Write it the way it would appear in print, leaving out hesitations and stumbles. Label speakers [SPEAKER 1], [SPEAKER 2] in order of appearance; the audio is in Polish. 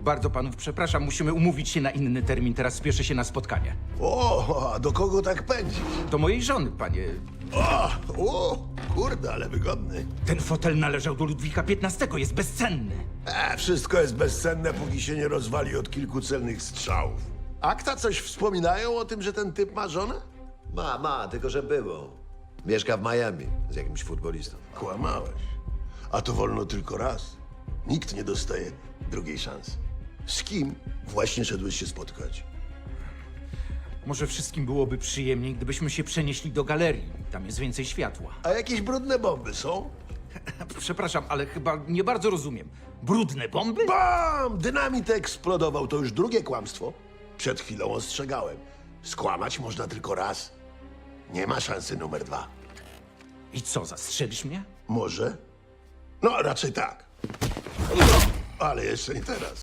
[SPEAKER 1] Bardzo panów przepraszam, musimy umówić się na inny termin, teraz spieszę się na spotkanie.
[SPEAKER 2] O, a do kogo tak pędzić?
[SPEAKER 1] Do mojej żony, panie.
[SPEAKER 2] Kurde, ale wygodny.
[SPEAKER 1] Ten fotel należał do Ludwika XV, jest bezcenny.
[SPEAKER 2] Wszystko jest bezcenne, póki się nie rozwali od kilku celnych strzałów. Akta coś wspominają o tym, że ten typ ma żonę?
[SPEAKER 3] Ma, tylko że było. Mieszka w Miami z jakimś futbolistą.
[SPEAKER 2] Kłamałeś. A to wolno tylko raz. Nikt nie dostaje drugiej szansy. Z kim właśnie szedłeś się spotkać?
[SPEAKER 1] Może wszystkim byłoby przyjemniej, gdybyśmy się przenieśli do galerii. Tam jest więcej światła.
[SPEAKER 2] A jakieś brudne bomby są?
[SPEAKER 1] Przepraszam, ale chyba nie bardzo rozumiem. Brudne bomby?
[SPEAKER 2] Bam! Dynamit eksplodował, to już drugie kłamstwo. Przed chwilą ostrzegałem. Skłamać można tylko raz. Nie ma szansy numer 2.
[SPEAKER 1] I co, zastrzelisz mnie?
[SPEAKER 2] Może? No, raczej tak. Ale jeszcze nie teraz.